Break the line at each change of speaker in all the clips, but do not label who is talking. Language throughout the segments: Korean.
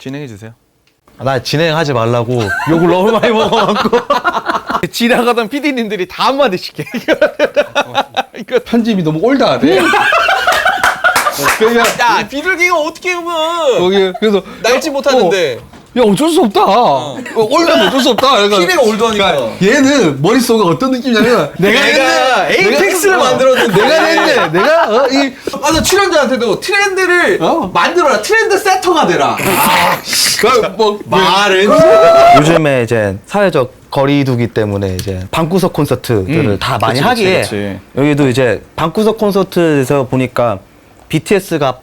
진행해 주세요.
나 진행하지 말라고 욕을 너무 많이 먹어갖고.
지나가던 PD님들이 다 한마디씩 해. 이거
편집이 너무 올드하대. 그냥
야 비둘기가 어떻게 보면
거기 그래서
날지 못하는데
야 어쩔 수 없다. 올드하면 어쩔 수 없다. 그러니까
피디가 올드하니까.
얘는 머릿속에 어떤 느낌이냐면
내가 에이펙스를 만들었는데
내가 냈네. 내가
나 출연자한테도 트렌드를 만들어라. 트렌드 세터가 되라.
뭐
말은
요즘에 이제 사회적 거리두기 때문에 이제 방구석 콘서트들을 다 많이
그치,
하기에
그치.
여기도 이제 방구석 콘서트에서 보니까 BTS가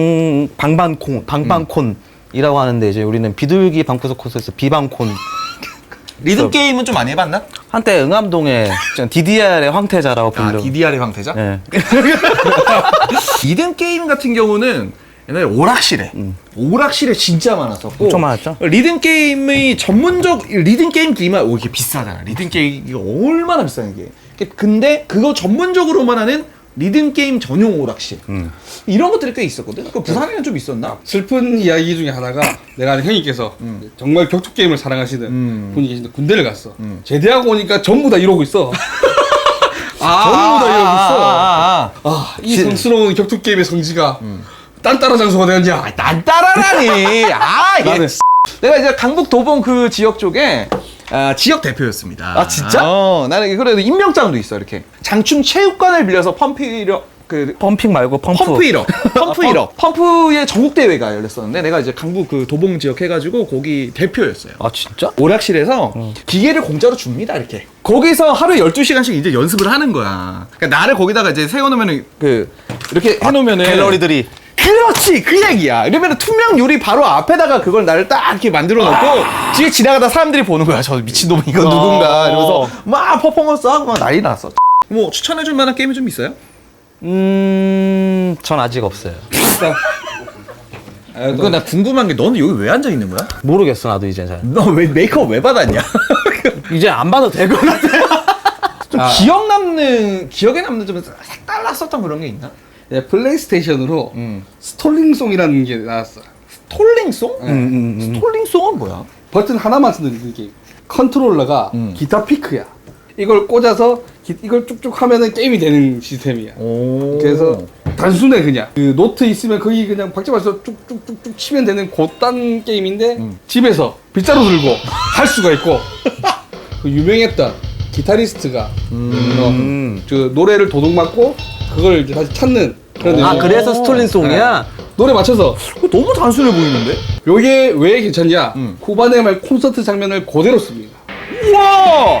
방방콘이라고 하는데 이제 우리는 비둘기 방구석 콘서트에서 비방콘.
리듬 게임은 좀 많이 해봤나?
한때 응암동에 DDR의 황태자라고 불리고.
DDR의 황태자?
네.
리듬 게임 같은 경우는 옛날에 오락실에 진짜 많았었고
엄청 많았죠.
리듬 게임의 전문적 리듬 게임 기만 이게 비싸잖아. 리듬 게임 이게 얼마나 비싼 게. 근데 그거 전문적으로만 하는 리듬 게임 전용 오락실 이런 것들이 꽤 있었거든. 그 부산에는 좀 있었나?
슬픈 이야기 중에 하나가 내가 아는 형님께서 정말 격투 게임을 사랑하시는 분이 계신데 군대를 갔어. 제대하고 오니까 전부 다 이러고 있어. 전부 다 이러고 있어. 이 성스러운 격투 게임의 성지가 딴따라 장소가 되었냐?
난 따라라니.
나는
내가 이제 강북 도봉 그 지역 쪽에 지역 대표였습니다.
아, 진짜?
나는 그래도 임명장도 있어. 이렇게 장충 체육관을 빌려서
펌핑 말고
펌프 1업 펌프의 전국 대회가 열렸었는데 내가 이제 강북 그 도봉 지역 해가지고 거기 대표였어요.
아 진짜?
오락실에서 기계를 공짜로 줍니다. 이렇게 거기서 하루에 12시간씩 이제 연습을 하는 거야. 그러니까 나를 거기다가 이제 세워놓으면은 이렇게 해놓으면은
갤러리들이.
그렇지 그 얘기야. 이러면 투명 유리 바로 앞에다가 그걸 나를 딱 이렇게 만들어 놓고 뒤에 지나가다 사람들이 보는 거야. 저 미친놈 이거 누군가 이러면서 막 퍼포먼스 하고 막 난리 났어. 뭐 추천해줄 만한 게임이 좀 있어요?
전 아직 없어요.
그거 나 궁금한 게 너는 여기 왜 앉아 있는 거야?
모르겠어 나도 이제 잘.
너 왜 메이크업 왜 받았냐?
이제 안 봐도 될 것 같아.
좀 기억에 남는 좀 색달랐었던 그런 게 있나?
네, 플레이스테이션으로 스톨링송이라는 게 나왔어.
스톨링송? 스톨링송은 뭐야?
버튼 하나만 쓰는 게임. 컨트롤러가 기타 피크야. 이걸 꽂아서 이걸 쭉쭉 하면은 게임이 되는 시스템이야. 그래서 단순해 그냥. 그 노트 있으면 거기 그냥 박자맞춰서 쭉쭉쭉쭉 치면 되는 그딴 게임인데 집에서 빗자루 들고 할 수가 있고 그 유명했던 기타리스트가 그 노래를 도둑 맞고 그걸 이제 다시 찾는 그런 내용.
그래서 스톨링송이야?
노래 맞춰서.
너무 단순해 보이는데?
요게 왜 괜찮냐? 후반에 말 콘서트 장면을 그대로 씁니다.
우와!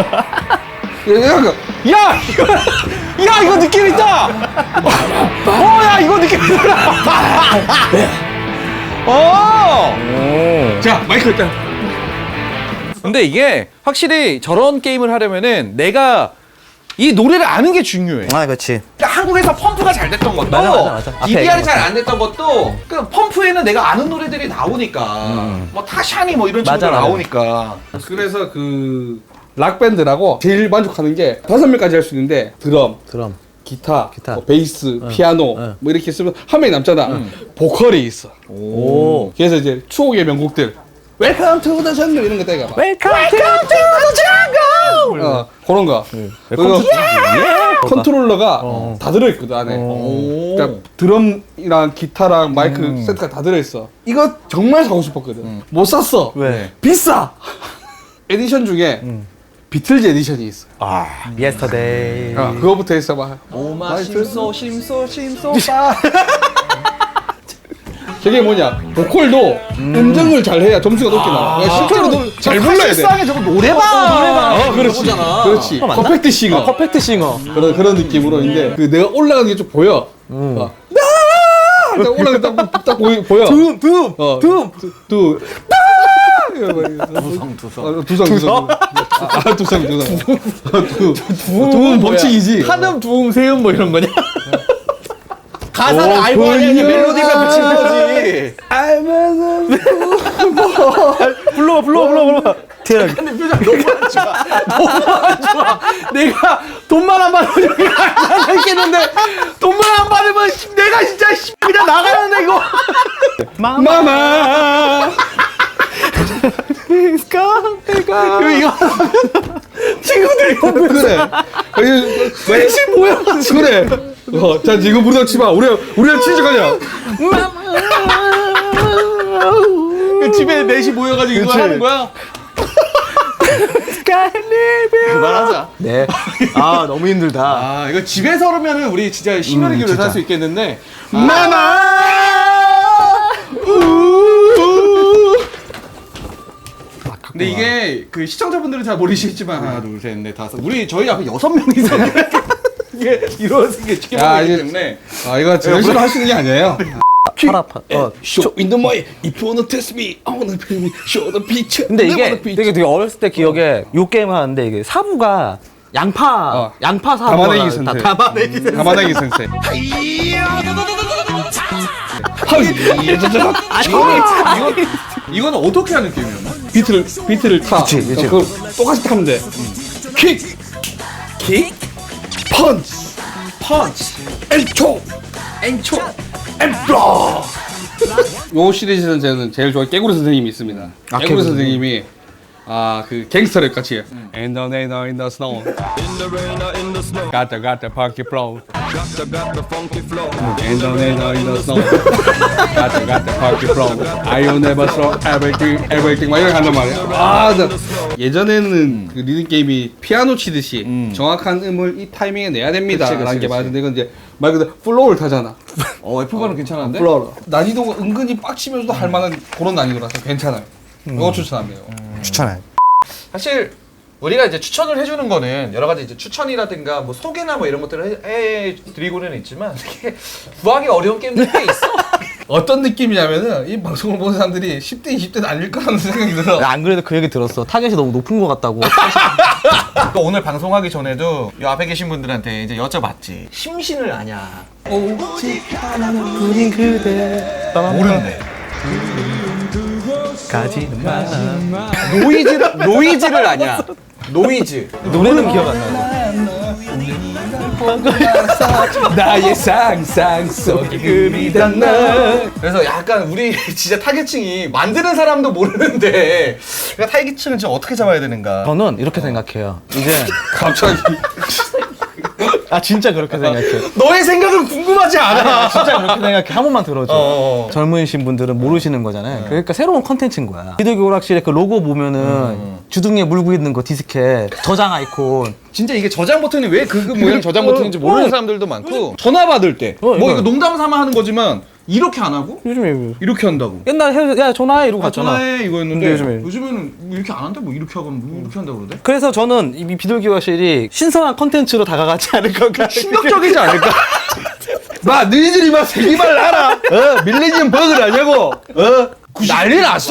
야,
이거 느낌 있다! 야, 이거 느낌 있다!
자, 마이크 일단.
근데 이게 확실히 저런 게임을 하려면은 내가 이 노래를 아는 게 중요해.
아 그렇지.
그러니까 한국에서 펌프가 잘 됐던 것도
맞아. 앞에
DDR이
얘기한
잘 안 됐던 것도 그 펌프에는 내가 아는 노래들이 나오니까 뭐 타샤니 뭐 이런 친구들
맞아.
나오니까
그래서 그 락밴드라고 제일 만족하는 게 5명까지 할 수 있는데 드럼, 기타. 뭐 베이스, 피아노 뭐 이렇게 쓰면 한 명이 남잖아. 보컬이 있어.
오.
그래서 이제 추억의 명곡들 웰컴 투 더 정글 이런 거 따가 봐.
웰컴 투 더 정글.
그런 거. 그리고 컨트롤러가 다 들어있거든 안에. 그러니까 드럼이랑 기타랑 마이크 세트가 다 들어있어. 이거 정말 사고 싶었거든. 못 샀어.
왜?
비싸. 에디션 중에 비틀즈 에디션이 있어.
예스터데이.
그거부터 했어 봐.
오마 심소
저게 뭐냐? 보컬도 음정을 잘 해야 점수가 높게 나와. 실제로 잘 불러야 돼.
실상에 저거 노래방
그렇지.
그거잖아.
그렇지. 퍼펙트 싱어.
퍼펙트 싱어.
그런 느낌으로 있는데 그 내가 올라가는 게 좀 보여. 나 올라가 딱 보여. 둠. 두성. 두음 법칙이지.
한음 두음 세음 뭐 이런 거냐? 가사를 알고 하냐 멜로디가 붙인 거지.
불러.
근데 표정 너무 안 좋아. 내가 돈만 안 받으면 여기 앉아 있겠는데 돈만 안 받으면 내가 진짜 그냥 나가는데 이거.
마마.
그리고 이거 친구들이 보면
그래.
셋이 모여.
그래. 자 지금 부르다 치마. 우리가 친척하냐?
그 집에 넷이 모여가지고 이거
그치.
하는 거야. 그만하자.
네. 아 너무 힘들다.
아 이거 집에서 그러면은 우리 진짜 심혈을 기울여서 할 수 있겠는데.
마마.
근데 이게 그 시청자분들은 잘 모르시겠지만 하나 둘셋넷 다섯 저희 앞에 6명이서 이게 이루어진 게
야,
지켜보기
이제-
때문에
아 이거 열심히 하시는 게 아니에요.
팔 아파.
Show in the way. If you wanna test me, I wanna pay me. Show the picture.
근데
never
이게
the picture.
되게 어렸을 때 기억에 요 게임을 하는데 이게 사부가 양파 사부가
담아내기 선생.
담아내기 선생.
가마나기 선생.
이건 어떻게 하는 게임이었나?
비트를 타.
그치.
그걸 똑같이 타면 돼. 킥, 펀치, 엔초, 엔블러. 요 시리즈는 저는 제일 좋아하는 깨구리 선생님이 있습니다. 깨구리
깨구리
선생님이 그 갱스터랩 같이 In the rain or in the snow got the funky flow In the rain or in the snow got the funky flow I will never throw everything 막 이렇게 한단 말이야. 예전에는 그 리듬 게임이 피아노 치듯이 정확한 음을 이 타이밍에 내야 됩니다 라는 게 맞는데 이건 이제 말 그대로 플로우를 타잖아.
F1은 괜찮은데?
플로우 난이도가 은근히 빡치면서도 할 만한 그런 난이도라서 괜찮아요. 이거 추천합니다.
추천해.
사실 우리가 이제 추천을 해주는 거는 여러 가지 이제 추천이라든가 뭐 소개나 뭐 이런 것들을 해드리고는 있지만 되게 구하기 어려운 게임들이 꽤 있어.
어떤 느낌이냐면은 이 방송을 보는 사람들이 10대, 20대는 아닐 거라는 생각이 들어.
안 그래도 그 얘기 들었어. 타겟이 너무 높은 것 같다고.
또 오늘 방송하기 전에도 이 앞에 계신 분들한테 이제 여쭤봤지. 심신을 아냐?
우린 그대
모르는데.
가지는 마.
노이즈를 아냐? 노이즈.
노래는 기억 안 나고.
나의 상상 속에 금이 닿나.
그래서 약간 우리 진짜 타겟층이 만드는 사람도 모르는데 그러니까 타겟층을 좀 어떻게 잡아야 되는가?
저는 이렇게 생각해요. 이제
갑자기.
진짜 그렇게 생각해요.
너의 생각은 궁금하지 않아.
진짜 그렇게 생각해. 한 번만 들어줘.
어.
젊으신 분들은 모르시는 거잖아요. 그러니까 새로운 컨텐츠인 거야. 비둘기 오락실에 그 로고 보면은 주둥이에 물고 있는 거 디스켓, 저장 아이콘.
진짜 이게 저장 버튼이 왜 그 모양 저장 버튼인지 모르는 사람들도 많고 전화 받을 때 뭐
이거.
이거 농담 삼아 하는 거지만 이렇게 안 하고
요즘에
이렇게 한다고.
옛날에 야 전화해 이러고 갔잖아.
전화해 이거였는데
근데 요즘에.
요즘에는 뭐 이렇게 안 한다 뭐 이렇게 하고 뭐 이렇게 한다고 그러대.
그래서 저는 이 비둘기 오락실이 신선한 컨텐츠로 다가가지 않을 건가.
충격적이지 않을까?
마, 너희들이 막 세기말 알아? 밀레니엄 버그를 아냐고?
난리 났어.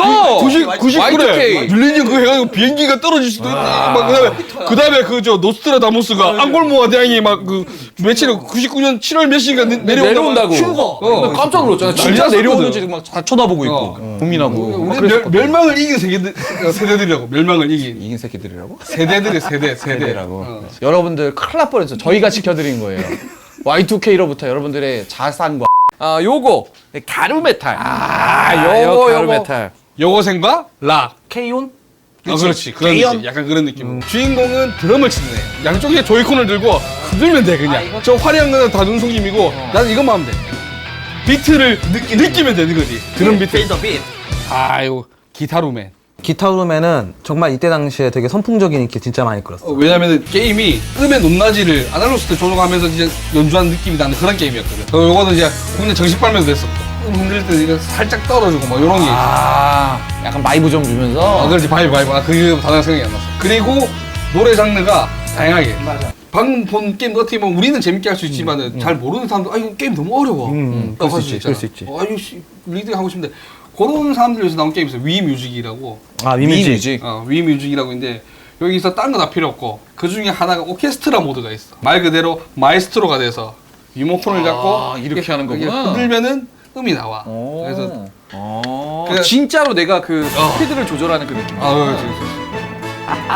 99래. 밀레니엄 그거 해가지고 비행기가 떨어질 수도 있다. 막 그다음에 그 저 노스트라다무스가 앙골모아 대왕이 막 그 며칠 99년 7월 몇 시가 내려온다고.
휴거. 깜짝 놀랐잖아. 진짜
난리
내려오는지
났거든.
막 다 쳐다보고 있고 고민하고.
우리 멸망을 이긴 세대들이라고. 멸망을 이긴
이긴 새끼들이라고?
세대들이 세대라고.
세대라고. 여러분들 큰일 날 뻔했어. 저희가 지켜드린 거예요. Y2K로부터 여러분들의 자산과 요거 가루메탈. 요거 가루메탈.
여고생과 락.
케이온?
그렇지. 그런
개연.
느낌. 약간 그런 느낌. 주인공은 드럼을 치는 애. 양쪽에 조이콘을 들고 흔들면 돼 그냥. 저 화려한 거는 다 눈속임이고 나는 이것만 하면 돼. 비트를 느끼면 되는 거지. 드럼 비트. 아유 기타루맨.
기타루맨은 정말 이때 당시에 되게 선풍적인 인기 진짜 많이 끌었어.
왜냐면은 게임이 음의 높낮이를 아날로그 때 조정하면서 이제 연주하는 느낌이 나는 그런 게임이었거든. 요거는 이제 국내 정식 발매도 됐어. 흔들 때 이거 살짝 떨어지고 막 이런 게 있어.
약간 바이브 좀 주면서.
그렇지 바이브. 그 단어 생각이 안 났어. 그리고 노래 장르가 다양하게. 맞아. 방금 본 게임 어떻게 보면 우리는 재밌게 할 수 있지만은 잘 모르는 사람들 이거 게임 너무 어려워.
그럴 수 있지, 그럴 수 있지.
아유 씨 리드 하고 싶은데 그런 사람들 위해서 나온 게임이 있어요. 위뮤직이라고.
위뮤직.
위뮤직이라고 있는데 여기서 딴 거 다 필요 없고 그 중에 하나가 오케스트라 모드가 있어. 말 그대로 마에스트로가 돼서 리모컨을 잡고
이렇게 하는
이렇게
거구나.
흔들면은 음이 나와. 그래서 그래.
진짜로 내가 그 스피드를 조절하는 그 느낌.
그렇지.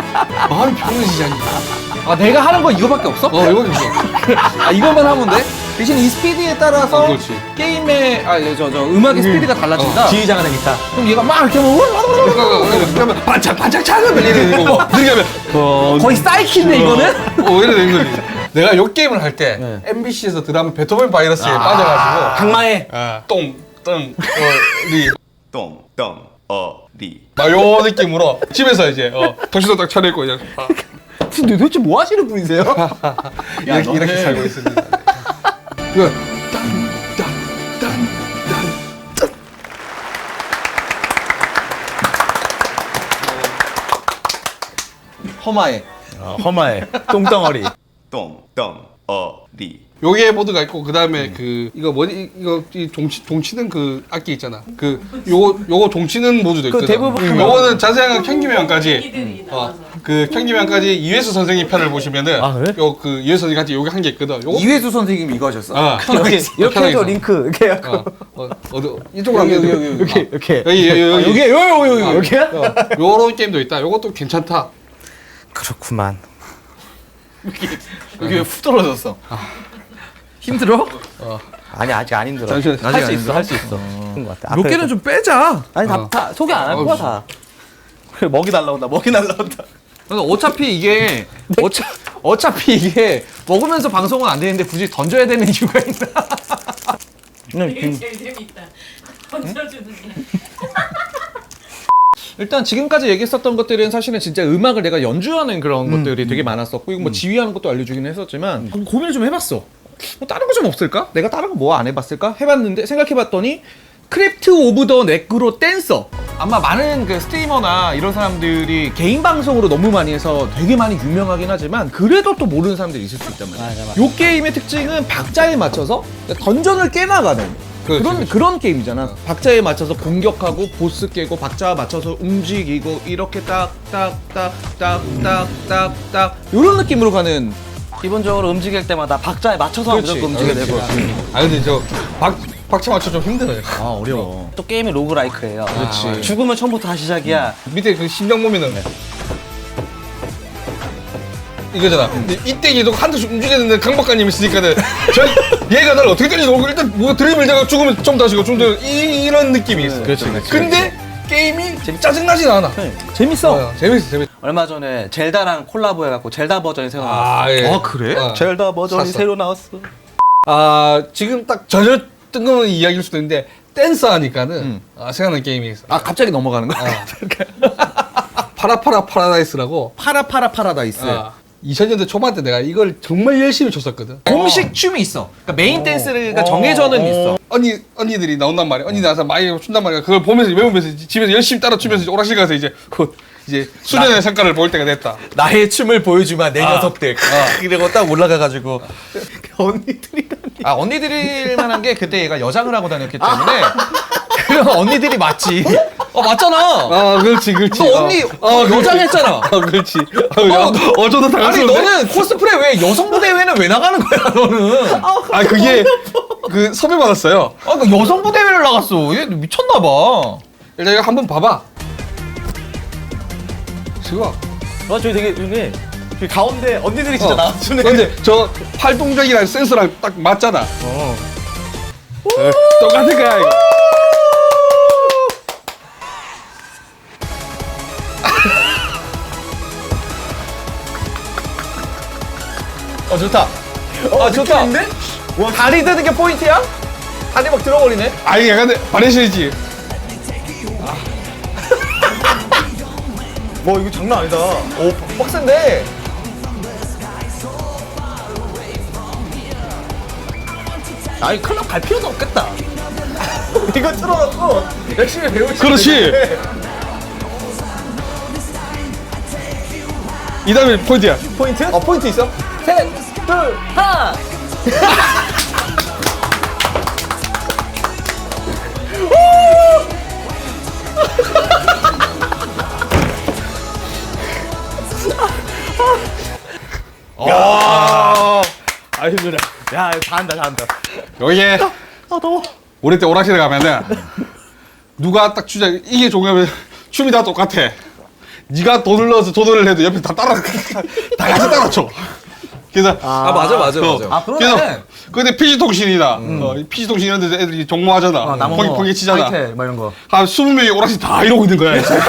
마음이 편해지지 않냐.
내가 하는 거 이거밖에 없어?
이거 있어.
이것만 하면 돼? 대신 이 스피드에 따라서
그렇지.
게임의 음악의 스피드가 달라진다.
지휘자가 되겠다.
그럼 얘가 막 이렇게 하면
그러면 반짝 차가면 이래 되는 거고 느리게 하면
거의 사이키인데 이거는?
이래 되는 거지. 내가 요 게임을 할 때 MBC에서 드라마 베토벤 바이러스에 빠져가지고
강마에
리
똥똥어리
막 요 느낌으로 집에서 이제 정신도 딱 차려있고 이제
근데 도대체 뭐 하시는 분이세요?
이렇게 살고 있습니다. 그
허마에.
허마에 똥덩어리.
똥똥어리
요게 모드가 있고 그 다음에 그 이거 뭐지 이거 이 종치는 그 악기 있잖아. 그 요거 종치는 모드도 있거든.
대부분
요거는 자세한 경기명까지
이들이 나와서.
그 경기명까지 이회수 선생님 편을 보시면은
아, 그래?
요 그 이회수 선생님한테 요게 한 게 있거든. 요거
이회수 선생님이 이거 하셨어.
이렇게
편하게
해서
있어.
링크 이렇게 해갖고
어디 이쪽으로
여기,
하면
여기, 여기.
이렇게
여기
여기
여기야?
요런 게임도 있다. 요것도 괜찮다.
그렇구만.
여기 훅 떨어졌어. 힘들어?
아니 아직 안 힘들어.
잠시만.
할 수 있어 할 수 있어. 그런 것 같아.
몇 개는 좀 빼자.
아니 다 소개 안 할 거야 다. 그래 먹이 날라온다 먹이 날라온다.
어차피 이게 어차피 이게 먹으면서 방송은 안 되는데 굳이 던져야 되는 이유가 있나?
이게 제일 재밌다. 던져주는 게.
일단 지금까지 얘기했었던 것들은 사실은 진짜 음악을 내가 연주하는 그런 것들이 되게 많았었고 이거 뭐 지휘하는 것도 알려주긴 했었지만 고민을 좀 해봤어. 뭐 다른 거 좀 없을까? 내가 다른 거 뭐 안 해봤을까? 해봤는데 생각해봤더니 크래프트 오브 더 네크로 댄서 아마 많은 그 스트리머나 이런 사람들이 개인 방송으로 너무 많이 해서 되게 많이 유명하긴 하지만 그래도 또 모르는 사람들이 있을 수 있단 말이야.
맞아.
요 게임의 특징은 박자에 맞춰서 던전을 깨나가는 그런 게임이잖아. 박자에 맞춰서 공격하고 보스 깨고 박자에 맞춰서 움직이고 이렇게 딱딱딱딱딱딱딱 이런 느낌으로 가는.
기본적으로 움직일 때마다 박자에 맞춰서 무조건 움직여야 되고.
아 근데 저 박자 맞춰 좀 힘들어요.
아 어려워.
또 게임이 로그라이크예요.
그렇지.
죽으면 처음부터 다시 시작이야.
밑에 그 심장 보면은 이거잖아. 이때 계속 한 대씩 움직이는데 강 박사님 있으니까는 얘가 나를 어떻게 때리지 모르고 일단 뭐 드림을 내가 죽으면 좀 다시고 좀 더 이런 느낌이 있어.
그렇지.
근데 게임이 짜증나진 않아.
재밌어.
재밌어.
얼마 전에 젤다랑 콜라보 해갖고 젤다 버전이 새로 나왔어.
아 예.
아 그래?
젤다 버전이
샀어.
새로 나왔어.
아 지금 딱 전혀 뜬금없는 이야기일 수도 있는데 댄서 하니까는 생각나는 게임이 있어.
아 갑자기 넘어가는 거야?
파라파라 파라다이스라고.
파라파라 파라다이스.
2000년대 초반 때 내가 이걸 정말 열심히 쳤었거든.
공식 춤이 있어. 그러니까 메인 댄스가 정해져는 있어.
언니들이 나온단 말이야. 언니 나와서 많이 춘단 말이야. 그걸 보면서 외우면서 집에서 열심히 따라 추면서 이제 오락실 가서 이제 수련의 성과를 볼 때가 됐다.
나의 춤을 보여주마 내 녀석들. 이러고 딱 올라가가지고
언니들이라니.
아 언니들일 만한 게 그때 얘가 여장을 하고 다녔기 때문에 그럼 언니들이 맞지. 맞잖아.
아 그렇지.
너 언니 여장했잖아.
그렇지. 어쩌다
아니
당했었는데.
너는 코스프레 왜 여성부 대회는 왜 나가는 거야 너는?
아 그게 그 섭외 받았어요.
그 여성부 대회를 나갔어. 얘 미쳤나 봐.
일단 이거 한번 봐봐. 지금.
저기 되게 저기 가운데 언니들이 진짜 나와주네.
근데 저 팔동작이랑 센서랑 딱 맞잖아. 똑같은 거야 이거.
좋다. 좋다. 와 다리 드는 게 포인트야? 다리 막 들어버리네.
아니 약간 바레션이지.
와 이거 장난 아니다. 오 빡센데.
아니 클럽 갈 필요도 없겠다.
이거 틀어놓고 열심히 배우지.
그렇지. 이 다음에 포인트야.
포인트? 포인트 있어?
셋, 둘, 하나.
아 힘들어.
야 잘한다.
여기에
더워.
우리 때 오락실에 가면은 누가 딱 주자 이게 종류면 춤이 다 똑같아. 네가 돈을 넣어서 조절을 해도 옆에 다 같이 따라쳐. 그래서
맞아.
아, 그러네.
근데 PC통신이나 PC통신 이런 데서 애들이 종모하잖아. 펑이 치잖아.
하이텔 막 이런 거.
한 20명이 오락실 다 이러고 있는 거야. 이제.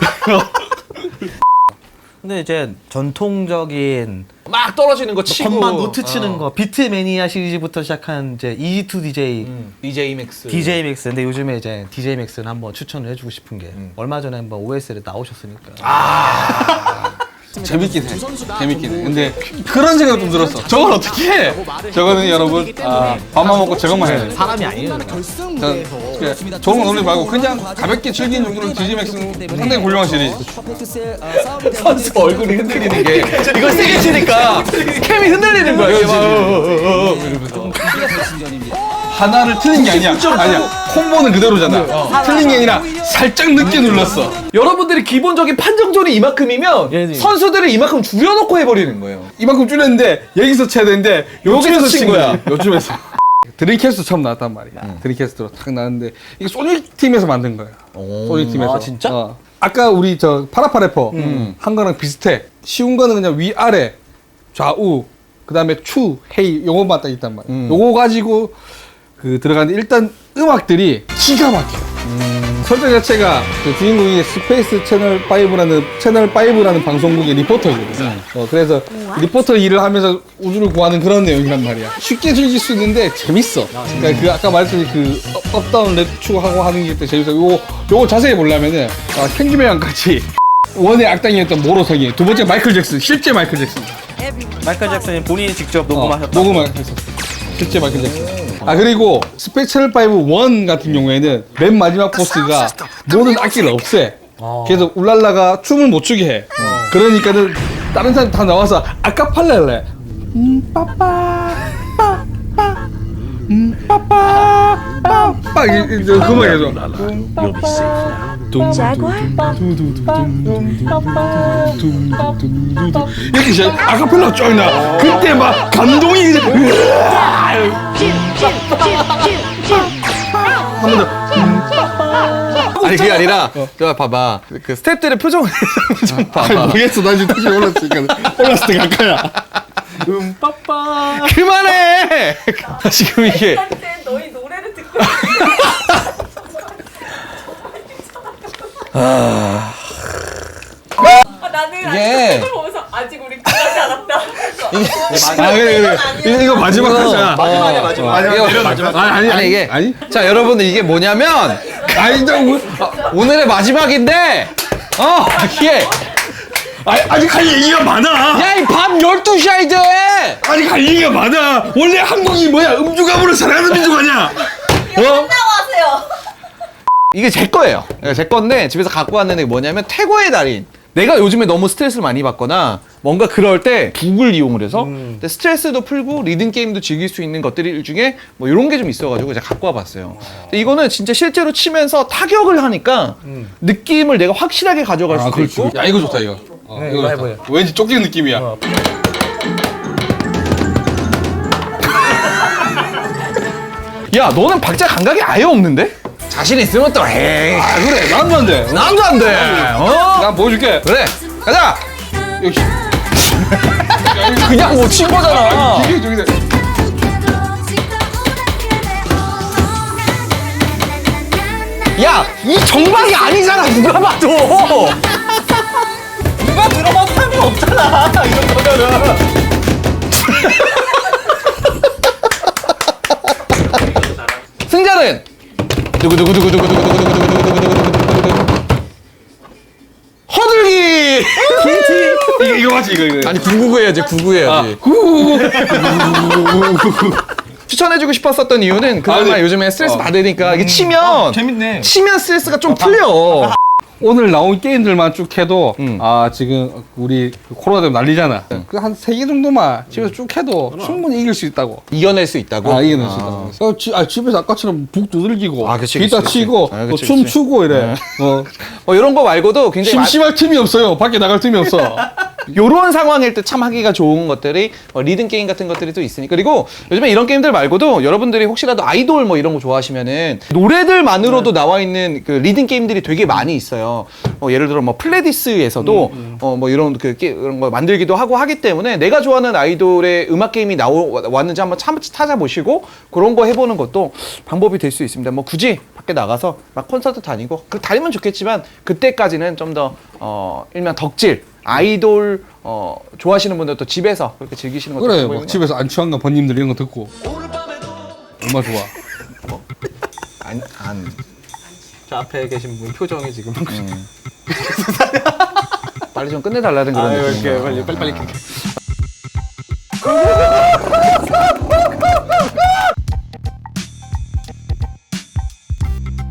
근데 이제 전통적인
막 떨어지는 거 치고
건반 노트 치는 거 비트매니아 시리즈부터 시작한 이제 EG2DJ
DJ 맥스.
DJ 맥스. 근데 요즘에 이제 DJ 맥스는 한번 추천을 해주고 싶은 게 얼마 전에 한번 OSL에 나오셨으니까.
재밌긴 해. 재밌긴 해. 근데 그런 생각 좀 들었어. 저걸 어떻게 해? 저거는 여러분 밥만 먹고 저것만 해야 돼.
사람이 아니에요.
좋은 거 놀리지 말고 그냥 가볍게 즐기는 용도로 DJ맥스는 상당히 훌륭한 시리즈.
선수 얼굴이 흔들리는 게 이걸 세게 치니까 캠이 흔들리는 거야. 이게 막
하나를 틀린 게 아니야. 아니야. 콤보는 그대로잖아. 틀린 게 아니라 살짝 늦게 눌렀어.
여러분들이 기본적인 판정존이 이만큼이면
예.
선수들을 이만큼 줄여놓고 해버리는 거예요.
이만큼 줄였는데 여기서 쳐야 되는데
요쯤에서 친 거야.
요쯤에서. 드림캐스트 처음 나왔단 말이야. 드림캐스트로 탁 나왔는데 이게 소닉 팀에서 만든 거야. 소닉 팀에서.
아, 진짜?
아까 우리 저 파라파 래퍼 한 거랑 비슷해. 쉬운 거는 그냥 위 아래 좌우 그다음에 추 헤이 요것만 딱 있단 말이야. 요거 가지고 그 들어가는데 일단 음악들이 기가 막혀. 설정 자체가 그 주인공이 스페이스 채널 5라는 방송국의 리포터거든. 그래서 리포터 일을 하면서 우주를 구하는 그런 내용이란 말이야. 쉽게 즐길 수 있는데 재밌어. 그러니까 그 아까 말했던 그 업다운 랩 추구하고 하는 게 재밌어. 요거 자세히 보려면은 켄지메랑 같이 원의 악당이었던 모로성이 두 번째 마이클 잭슨, 실제 마이클 잭슨.
마이클 잭슨이 본인이 직접
녹음을 했었어. 실제 마이클 잭슨. 그리고 스페이스 채널 5 1 같은 경우에는 맨 마지막 보스가 모든 악기를 없애. 그래서 울랄라가 춤을 못 추게 해. 그러니까는 다른 사람 다 나와서 아카펠라를 해. 빠빠 빠빠 빠빠 빠빠 그만 해줘. 이렇게 시작. 아카펠라 쫙 나. 그때 막 감동이 한 번 더.
아니 그게 아니라 저 봐봐 그 스태프들의 표정을 좀 봐봐.
모르겠어. 나 지금 다시 올랐으니까 올랐을 때 가까야.
빠빠.
그만해. 지금 이게
한때 너희 노래를 듣고 나는
이게-
이걸 보면서 아직 우리 끝나지 않았다.
그래. 이거 마지막 하자.
마지막. 아니 이게
아니?
자 여러분들 이게 뭐냐면 오늘의 마지막인데 이게
아직 할 얘기가 많아.
야 이 밤 12시야 이제.
아직 할 얘기가 많아. 원래 한국이 뭐야? 음주가무를 사랑하는 민족 아니야?
나와세요.
이게 제 거예요. 제 건데 집에서 갖고 왔는데 뭐냐면 태고의 달인. 내가 요즘에 너무 스트레스를 많이 받거나 뭔가 그럴 때 북을 이용을 해서 근데 스트레스도 풀고 리듬 게임도 즐길 수 있는 것들 중에 뭐 이런 게 좀 있어가지고 제가 갖고 와봤어요. 근데 이거는 진짜 실제로 치면서 타격을 하니까 느낌을 내가 확실하게 가져갈 수도 있고.
야 이거 좋다 이거.
네,
이거
이거
좋다.
해보여.
왠지 쫓기는 느낌이야.
야 너는 박자 감각이 아예 없는데? 자신 있으면 또 해.
그래 나도 안 돼.
나도 안 돼.
나 보여줄게.
그래 가자.
역시.
그냥 못 친 거잖아.
이게 저기다.
야, 이 정박이 아니잖아, 누가 봐도! 누가 들어봐도 상관없잖아, 이런 거면은. 승자는 허들기.
이거 맞지 이거.
아니 999 해야지 99 해야지. 추천해주고 싶었었던 이유는 그나마
네.
요즘에 스트레스 받으니까 이게
재밌네.
치면 스트레스가 좀 풀려.
오늘 나온 게임들만 쭉 해도 지금 우리 코로나 때문에 난리잖아. 그 한 3개 정도만 집에서 쭉 해도 충분히 이길 수 있다고.
이겨낼 수 있다고.
이겨낼 수 있다고. 집에서 아까처럼 북 두들기고
그치,
기타
그치,
치고
그치.
또
그치,
춤추고 이래.
이런 거 말고도 굉장히
심심할 틈이 없어요. 밖에 나갈 틈이 없어.
요런 상황일 때 참 하기가 좋은 것들이 리듬 게임 같은 것들이 또 있으니까. 그리고 요즘에 이런 게임들 말고도 여러분들이 혹시라도 아이돌 뭐 이런 거 좋아하시면은 노래들만으로도 나와 있는 그 리듬 게임들이 되게 많이 있어요. 예를 들어 뭐 플레디스에서도 뭐 이런 그런 거 만들기도 하고 하기 때문에 내가 좋아하는 아이돌의 음악 게임이 왔는지 한번 찾아보시고 그런 거 해보는 것도 방법이 될 수 있습니다. 뭐 굳이 밖에 나가서 막 콘서트 다니고 다니면 좋겠지만 그때까지는 좀 더 일명 덕질 아이돌 좋아하시는 분들도 집에서 그렇게 즐기시는 것도
그래,
방법이군요.
막 집에서 안치환과 번님들 이런 거 듣고 얼마 좋아.
안.
저 앞에 계신 분 표정이 지금.
빨리 좀 끝내달라는 그런
아,
느낌.
이렇게 빨리.